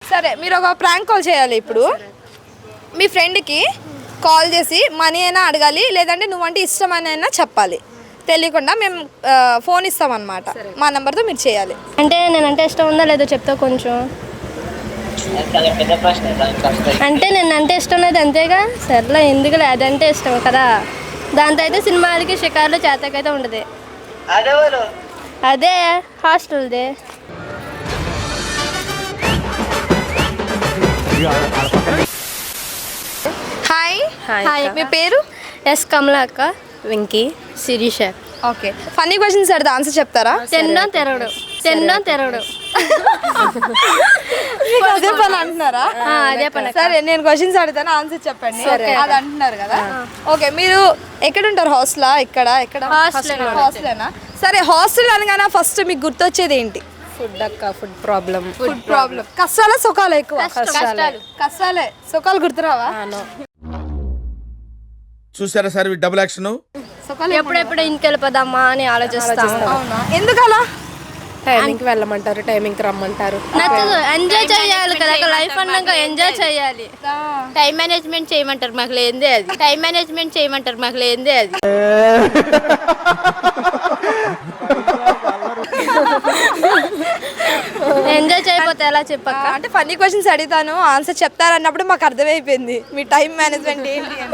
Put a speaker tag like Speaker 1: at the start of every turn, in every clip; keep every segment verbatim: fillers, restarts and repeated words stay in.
Speaker 1: సరే మీరు ఒక ప్రాంక్ కాల్ చేయాలి ఇప్పుడు. మీ ఫ్రెండ్కి కాల్ చేసి మనీ అయినా అడగాలి, లేదంటే నువ్వంటే ఇష్టమని అయినా చెప్పాలి. తెలియకుండా మేము ఫోన్ ఇస్తామన్నమాట. మా నెంబర్తో మీరు చేయాలి.
Speaker 2: అంటే నేనంటే ఇష్టం ఉందా లేదో చెప్తా కొంచెం. అంటే నేనంటే ఇష్టం లేదు అంతేగా. సర్లే ఎందుకులే, అదంటే ఇష్టం కదా. దాంతో అయితే సినిమాలకి షికార్లు చేతకైతే ఉండదు. అదే హాస్టల్దే.
Speaker 1: హాయ్.
Speaker 2: హాయ్.
Speaker 1: మీ పేరు?
Speaker 2: ఎస్ కమలా అక్క.
Speaker 3: Venky.
Speaker 2: Shirisha.
Speaker 1: Okay. Funny questions అడితే ఆన్సర్ చెప్తారా?
Speaker 2: తెండం తెరవడు తెండం తెరవడు
Speaker 1: అదే పని అంటున్నారా?
Speaker 2: అదే పని.
Speaker 1: సరే నేను క్వశ్చన్స్ అడుగుతాను, ఆన్సర్ చెప్పండి. అది అంటున్నారు కదా. ఓకే. మీరు ఎక్కడ ఉంటారు? హాస్టలా? ఇక్కడ ఎక్కడ? హాస్టలేనా? సరే హాస్టల్ అనగానే ఫస్ట్ మీకు గుర్తొచ్చేది ఏంటి?
Speaker 3: ఫుడ్ అక్క. Food problem.
Speaker 1: Food problem. కష్టాలా సుఖాలు ఎక్కువ? కష్టాలే. సుఖాలు గుర్తురావా?
Speaker 4: చూసారా సార్ డబుల్ యాక్షన్.
Speaker 2: ఎప్పుడెప్పుడు ఇంటికి వెళ్ళిపోదామా అని ఆలోచిస్తాం.
Speaker 1: అవునా? ఎందుకు అలా?
Speaker 3: టైమింగ్కి వెళ్ళమంటారు, టైమింగ్కి రమ్మంటారు.
Speaker 2: నచ్చదు. ఎంజాయ్ చేయాలి కదా లైఫ్ అన్నాక, ఎంజాయ్ చేయాలి.
Speaker 5: టైం మేనేజ్మెంట్ చేయమంటారు, మాకు లేదే అది. టైం మేనేజ్మెంట్ చేయమంటారు, మాకు లేదే అది.
Speaker 2: ఎంజాయ్ చేయకపోతే ఎలా చెప్పక్క?
Speaker 1: అంటే ఫన్నీ క్వశ్చన్స్ అడుగుతాను, ఆన్సర్ చెప్తారన్నప్పుడు మాకు అర్థమైపోయింది మీ టైం మేనేజ్మెంట్ ఏంటి అని.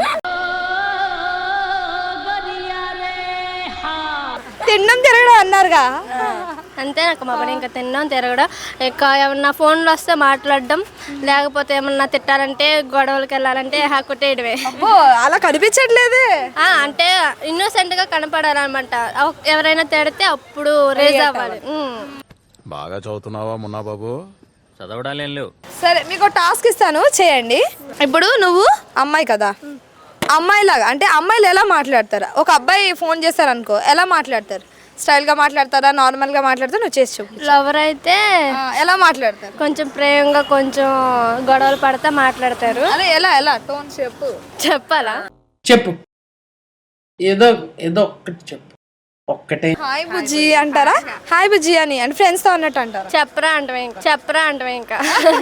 Speaker 1: తినడం తిరగడం అన్నారుగా.
Speaker 2: అంతే నాకు మా పని. ఇంకా తినడం తిరగడం, ఇంకా ఏమన్నా ఫోన్లో వస్తే మాట్లాడడం, లేకపోతే ఏమన్నా తిట్టాలంటే గొడవలకి వెళ్ళాలంటే కొట్టేయడమే.
Speaker 1: అబ్బో అలా కనిపించట్లేదే.
Speaker 2: అంటే ఇన్నోసెంట్ గా కనపడాలన్నమాట. ఎవరైనా తిడితే అప్పుడు రేజ్ అవ్వాలి.
Speaker 4: బాగా చదువుతున్నావా మున్నా బాబు?
Speaker 6: చదవడాలేం లేవు.
Speaker 1: సరే మీకు టాస్క్ ఇస్తాను, చేయండి. ఇప్పుడు నువ్వు అమ్మాయి కదా, అమ్మాయిలాగా అంటే అమ్మాయిలు ఎలా మాట్లాడతారా? ఒక అబ్బాయి ఫోన్ చేస్తారనుకో, ఎలా మాట్లాడతారు? స్టైల్గా మాట్లాడతారా, నార్మల్గా మాట్లాడతారా? నువ్వు చేసి చెప్పు.
Speaker 2: లవర్ అయితే
Speaker 1: ఎలా మాట్లాడతారు?
Speaker 2: కొంచెం ప్రేమగా, కొంచెం గొడవలు పడతా మాట్లాడతారు.
Speaker 1: అదే ఎలా ఎలా టోన్ చెప్పు.
Speaker 2: చెప్పాలా?
Speaker 7: చెప్పు. ఏదో ఏదో ఒక్కటి చెప్పు. ఒక్కటే.
Speaker 1: హాయ్ బుజ్జి అంటారా? హాయ్ బుజ్జి అని అంటే ఫ్రెండ్స్ తో అన్నట్టు అంటారా?
Speaker 2: చెప్పరా అంటవే ఇంకా. చెప్పరా అంటవే ఇంకా.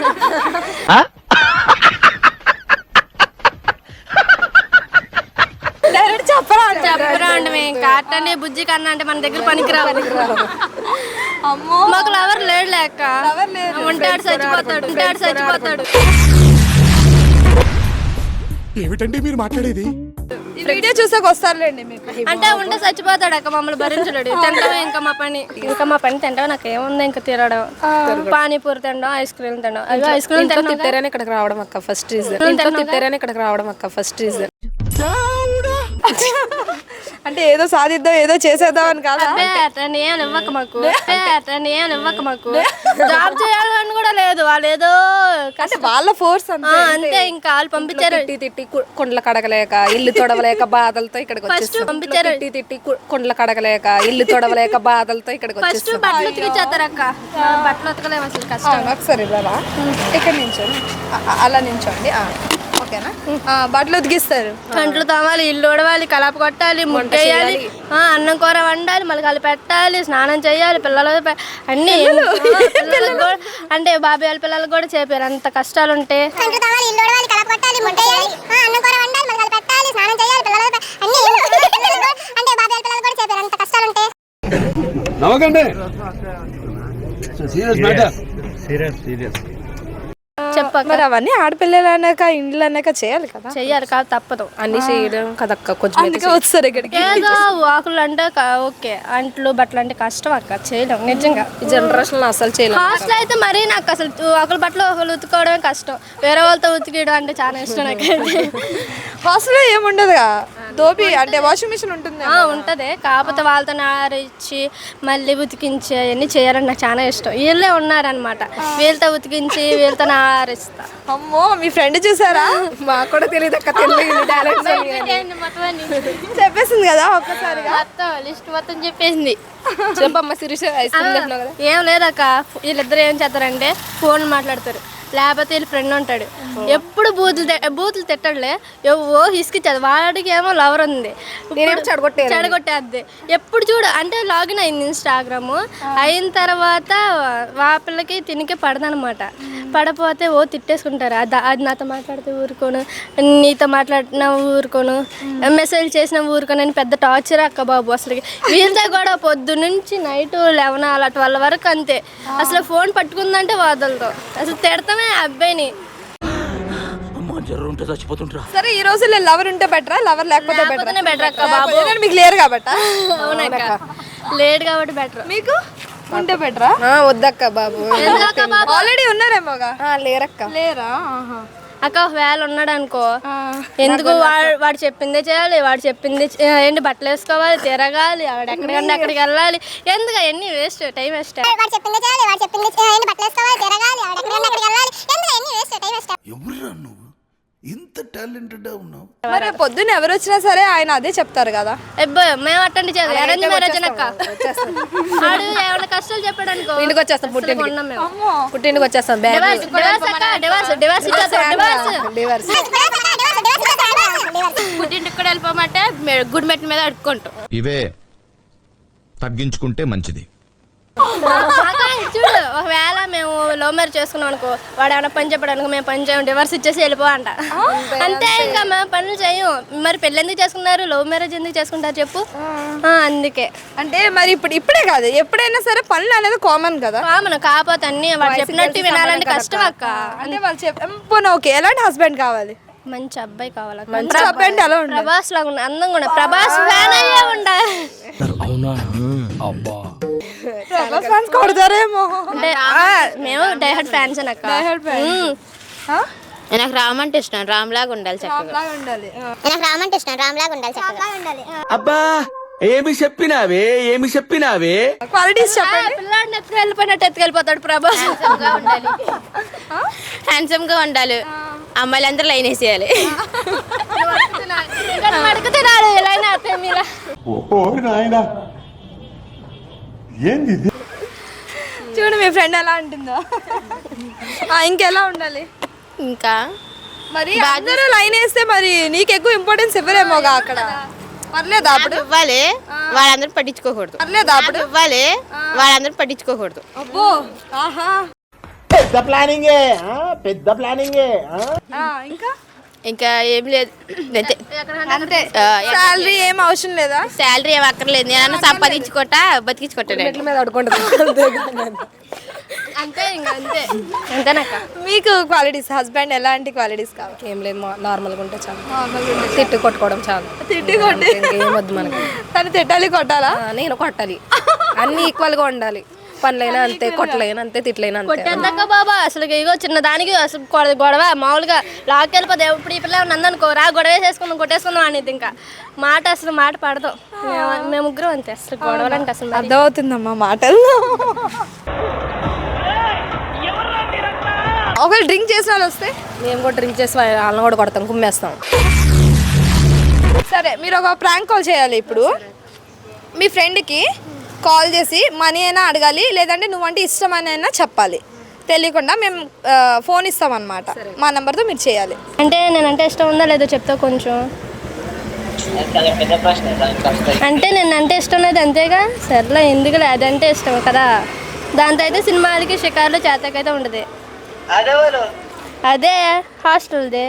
Speaker 1: చెప్పరా
Speaker 2: చెప్పరా అంటవే ఇంకా. అట్టనే బుజ్జి కన్నా అంటే మన దగ్గర పనికిరావు.
Speaker 1: అమ్మో
Speaker 2: మాకు లవర్ లేడు లేక. ఉంటాడు చచ్చిపోతాడు, ఉంటాడు చచ్చిపోతాడు.
Speaker 4: ఏమిటండి మీరు మాట్లాడేది?
Speaker 1: ఈ వీడియో చూసాక వస్తారులేండి మీకు.
Speaker 2: అంటే ఉంటే చచ్చిపోతాడు అక్క, మమ్మల్ని భరించలేడు. తింటాం ఇంకా మా పని. ఇంకా మా పని తింటాం. నాకు ఏముంది ఇంకా తిరగడం, పానీపూరి తినడం, ఐస్ క్రీమ్ తినడం. అయ్యో ఐస్ క్రీమ్
Speaker 3: తిట్టారని ఇక్కడికి రావడం అక్క ఫస్ట్ రీజన్. తిట్టారని ఇక్కడికి రావడం అక్క ఫస్ట్ రీజన్.
Speaker 1: అంటే ఏదో సాధిద్దాం, ఏదో చేసేద్దాం అని కాదు.
Speaker 2: అట్లా ఏం ఇవ్వక మాకు, అట్లా ఏం ఇవ్వక మాకు. జాబ్ చేయాలని కూడా లేదు. వాళ్ళు ఏదో
Speaker 1: అంటే వాళ్ళ ఫోర్స్
Speaker 2: అంతే. ఇంకా వాళ్ళు పంపించారు.
Speaker 3: తిట్టి తిట్టి కుండలు కడగలేక, ఇల్లు తొడవలేక బాధలతో ఇక్కడికి వచ్చేస్తాం.
Speaker 2: పంపించారు.
Speaker 3: తిట్టి తిట్టి కుండలు కడగలేక, ఇల్లు తొడవలేక బాధలతో ఇక్కడికి
Speaker 2: ఫస్ట్
Speaker 3: వచ్చేస్తాం.
Speaker 2: బట్టలు ఉతికిచ్చేస్తారు అక్క. బట్టలు ఉతకలేము అసలు, కష్టం.
Speaker 1: ఒకసారి బాబా ఇక్కడ నించోండి, అలా నించోండి. ఓకేనా? బట్టలు ఉతికిస్తారు,
Speaker 2: కంట్లు తోమాలి, ఇల్లు ఉడవాలి, కలప కొట్టాలి, ముట్టేయాలి, అన్నం కూర వండాలి, మళ్ళీ కలిపి పెట్టాలి, స్నానం చేయాలి, పిల్లలు అన్ని. అంటే బాబాయ్ వాళ్ళ పిల్లలకు కూడా చెప్పారు అంత కష్టాలు ఉంటే.
Speaker 1: చెప్పక మరి అవన్నీ ఆడపిల్లలు అన్నాక ఇండ్లు అన్నాక చేయాలి కదా.
Speaker 2: చెయ్యాలి కాదు, తప్పదు.
Speaker 3: అన్ని చేయడం కదక్క కొంచెం.
Speaker 1: అందుకే వస్తారు ఇక్కడికి.
Speaker 2: ఏదో వాకులు అంటే ఓకే, అంట్లు బట్టలు అంటే కష్టం అక్క, చేయలేం నిజంగా.
Speaker 3: ఈ జనరేషన్ అసలు చేయలేం.
Speaker 2: హాస్టల్ అయితే మరీ నాకు అసలు ఒకరి బట్టలు ఒకరు ఉతుకోవడమే కష్టం. వేరే వాళ్ళతో ఉతికేయడం అంటే చాలా ఇష్టం నాకైతే.
Speaker 1: హాస్టల్లో ఏముండదుగా, దోపి అంటే వాషింగ్ మిషన్ ఉంటుంది.
Speaker 2: ఉంటది, కాకపోతే వాళ్ళతో ఆరిచ్చి మళ్ళీ ఉతికించి అవన్నీ చేయాలని నాకు చాలా ఇష్టం. వీళ్ళే ఉన్నారనమాట, వీళ్ళతో ఉతికించి వీళ్ళతో ఆరిస్తా.
Speaker 1: అమ్మో మీ ఫ్రెండ్ చూసారా?
Speaker 3: మాకు కూడా తెలియదు అక్క. తెలియదు
Speaker 1: చెప్పేసింది కదా ఒక్కసారిగా.
Speaker 5: మొత్తం లిస్ట్ మొత్తం చెప్పేసింది.
Speaker 3: చెప్పమ్మ శిరీష. ఐస్ క్రీమ్ తింటున్నావు కదా.
Speaker 2: ఏం లేదక్క, వీళ్ళిద్దరు ఏం చేస్తారంటే ఫోన్ మాట్లాడతారు. లేకపోతే వీళ్ళ ఫ్రెండ్ ఉంటాడు ఎప్పుడు బూతులు తి- బూతులు తిట్టడులే ఓ హిస్కిచ్చాడు వాడికి ఏమో లవర్ ఉంది
Speaker 3: చెడగొట్టే
Speaker 2: చెడగొట్టేద్ది ఎప్పుడు చూడు అంటే లాగిన్ అయింది ఇన్స్టాగ్రామ్ అయిన తర్వాత వా పిల్లకి తినికి పడదనమాట పడపోతే ఓ తిట్టేసుకుంటారు అది అది నాతో మాట్లాడితే ఊరుకోను నీతో మాట్లాడిన ఊరుకోను మెసేజ్ చేసిన ఊరుకోను అని పెద్ద టార్చర్ అక్క బాబు అసలు వీళ్ళతో కూడా పొద్దు నుంచి నైట్ లెవెన్ అలా ట్వెల్వ్ వరకు అంతే అసలు ఫోన్ పట్టుకుందంటే వదలదు అసలు తిడతామే ఆ అబ్బాయిని
Speaker 1: సరే ఈ రోజుల్లో లవర్ ఉంటే బెటరా లవర్ లేకపోతే
Speaker 2: లేకపోతేనే
Speaker 1: బెటర్
Speaker 2: better అక్క బాబు.
Speaker 1: మీకు లేరు కాబట్ట
Speaker 2: అవునక్క లేట్ కాబట్టి బెటర్
Speaker 1: మీకు ఉంటే బెటరా
Speaker 3: వద్దక్క బాబు
Speaker 1: ఆల్రెడీ ఉన్నారేమోగా
Speaker 3: ఆ, లేరక్క
Speaker 1: లేరా
Speaker 2: అక్క ఒకవేళ ఉన్నాడు అనుకో ఎందుకు వాడు వాడు చెప్పిందే చేయాలి వాడు చెప్పింది చే- ఏంటి బట్టలు వేసుకోవాలి తిరగాలి వాడు ఎక్కడికంటే అక్కడికి వెళ్ళాలి ఎందుకు అవన్నీ వేస్ట్ టైం వేస్ట్
Speaker 6: వాడు చెప్పింది చేయాలి వాడు చెప్పింది ఏంటి బట్టలు వేసుకోవాలి తిరగాలి ఆవిడ ఎక్కడికైనా అక్కడికి వెళ్ళాలి ఎందుకు ఎన్ని వేస్ట్ టైం వేస్ట్
Speaker 4: ఎవరురా నువ్వు ఇంత టాలెంటెడ్ ఉన్నావు
Speaker 1: మరి పొద్దున్న ఎవరు వచ్చినా సరే ఆయన అదే చెప్తారు కదా
Speaker 2: అబ్బో మేము అట్టండి చేయాలి అరేంజ్ మ్యారేజ్ అక్క వాడు ఏమైనా కష్టాలు చెప్పాడు అనుకో
Speaker 3: ఇంటికి వచ్చేస్తాం పుట్టింటికి
Speaker 2: కొన్నాం మేము
Speaker 3: పుట్టింటికి వచ్చేస్తాం బ్యాగ్
Speaker 2: డివర్స్ డివర్స్ అక్క డివర్స్ డివర్స్ ఇచ్చేస్తాం డివర్స్
Speaker 3: డివర్స్
Speaker 5: పుట్టింటికి కూడా వెళ్ళిపోమంటే మె- గుడి మెట్ల మీద అడుక్కుంటాం.
Speaker 8: ఇవే తగ్గించుకుంటే మంచిది.
Speaker 2: అక్క, చూడు ఒకవేళ మేము లవ్ మ్యారేజ్ చేసుకున్నాం అనుకో వాడు ఏమైనా పని చెప్పాడు అనుకో మేము పని చేయం డివర్స్ ఇచ్చేసి వెళ్ళిపో అంట అంతే ఇంకా మేము పనులు చేయం మరి పెళ్ళి ఎందుకు చేసుకున్నారు లవ్ మ్యారేజ్ ఎందుకు చేసుకుంటారు చెప్పు ఆ, అందుకే
Speaker 1: అంటే మరి ఇప్పుడు ఇప్పుడే కాదు ఎప్పుడైనా సరే పనులు అనేది కామన్ కదా
Speaker 2: కామన్ కాకపోతే అన్ని వాడు చెప్పినట్టు వినాలంటే కష్టం అక్క
Speaker 1: అంటే వాళ్ళు చెప్ పోనీ ఓకే ఎలాంటి హస్బెండ్ కావాలి
Speaker 2: మంచి అబ్బాయి కావాలి
Speaker 1: మంచి హస్బెండ్ ఎలా ఉండాలి
Speaker 2: ప్రభాస్ లాగా ఉండాలి అందంగా ఉండాలి ప్రభాస్ ఫ్యాన్ అయ్యే ఉండాలి
Speaker 1: ప్రభాస్ fans కొడతారేమో
Speaker 2: అంటే ఆ, మేము డైహర్డ్ ఫ్యాన్స్ అక్క ఉమ్.
Speaker 1: ఆ?
Speaker 5: నాకు రామ్ అంటే ఇష్టం రామ్ లాగా ఉండాలి చక్కగా
Speaker 1: లాగా ఉండాలి ఆ.
Speaker 6: నాకు రామంటే ఇష్టం రామ్ లాగా ఉండాలి చక్కగా ఉండాలి
Speaker 9: అబ్బా ఏమి చెప్పినావే ఏమి చెప్పినావే
Speaker 1: క్వాలిటీస్ చెప్పండి
Speaker 2: పిల్లాడిని ఎత్తుకు వెళ్ళిపోయినట్టు ఎత్తుకెళ్ళిపోతాడు ప్రభాస్
Speaker 5: గా ఉండాలి హ్యాండ్సమ్ గా ఉండాలి అమ్మాయిలందరూ లైన్ వేసేయాలి
Speaker 2: ఇక్కడ మడక తినాలి ఇలా అయినా మీరా
Speaker 1: చూడు మీ ఫ్రెండ్ ఎలా ఉంటుందో ఆ, ఇంకెలా ఉండాలి
Speaker 5: ఇంకా
Speaker 1: మరి అందరూ లైన్ వేస్తే మరి నీకు ఎక్కువ ఇంపార్టెన్స్ ఇవ్వరేమోగా అక్కడ పర్లేదా అప్పుడు
Speaker 5: నాకు ఇవ్వాలి వాళ్ళందరూ పట్టించుకోకూడదు
Speaker 1: పర్లేదా అప్పుడు
Speaker 5: నాకు ఇవ్వాలి వాళ్ళందరూ పట్టించుకోకూడదు
Speaker 1: అబ్బో ఆహా
Speaker 9: పెద్ద ప్లానింగే పెద్ద ప్లానింగే
Speaker 1: ఆ, ఇంకా
Speaker 5: ఇంకా ఏం లేదు అంతే
Speaker 1: అంతే శాలరీ ఏం అవసరం లేదా
Speaker 5: శాలరీ ఏం అక్కర్లేదు నేను సంపాదించుకోట బతికించుకోటాడు
Speaker 3: మీద అడుకుంటుంది
Speaker 2: అంతే ఇంకా అంతే అంతేనక్క
Speaker 1: మీకు క్వాలిటీస్ హస్బెండ్ ఎలాంటి క్వాలిటీస్ కావాలి
Speaker 3: ఏం లేదు మా- నార్మల్గా ఉంటే చాలు తిట్టు కొట్టుకోవడం చాలు
Speaker 1: తిట్టి కొట్టి
Speaker 3: ఇంకేం వద్దు మనకి
Speaker 1: తను తిట్టాలి కొట్టాలా
Speaker 3: ఆ, నేను కొట్టాలి అన్ని ఈక్వల్గా ఉండాలి పనులైనా అంతే కొట్టలైనా అంతే తిట్లైనా అంతే
Speaker 2: కొట్టేందక్క బాబా అసలు ఇగో చిన్న దానికి అసలు గొడవ గొడవ మామూలుగా లాక్కెళ్ళిపోతే ఇప్పుడు ఈ పిల్ల నందనుకో రా గొడవ వేసేసుకుందాం కొట్టేసుకుందాం అనేది ఇంకా మాట అసలు మాట పడదు మేము- మేము ముగ్గురం అంతే అసలు గొడవలు అంటే అసలు మరి.
Speaker 1: అర్థమవుతుందమ్మా మాటల్లో ఒకవేళ డ్రింక్ చేసిన వాళ్ళు వస్తే
Speaker 3: మేము కూడా డ్రింక్ చేసి వాళ్ళని కూడా కొడతాం కుమ్మేస్తాం
Speaker 1: సరే మీరు ఒక ప్రాంక్ కాల్ చేయాలి ఇప్పుడు మీ ఫ్రెండ్కి కాల్ చేసి మనీ అయినా అడగాలి లేదంటే నువ్వంటే ఇష్టమని అయినా చెప్పాలి తెలియకుండా మేము ఆ, ఫోన్ ఇస్తామన్నమాట మా నెంబర్తో మీరు చేయాలి
Speaker 2: అంటే నేనంటే ఇష్టం ఉందా లేదో చెప్తా కొంచెం అంటే నేనంటే ఇష్టం లేదు అంతేగా సర్లే ఎందుకులే అదంటే ఇష్టం కదా దాంతో అయితే సినిమాలకి షికార్లు చేతకైతే ఉండదు అదే హాస్టల్దే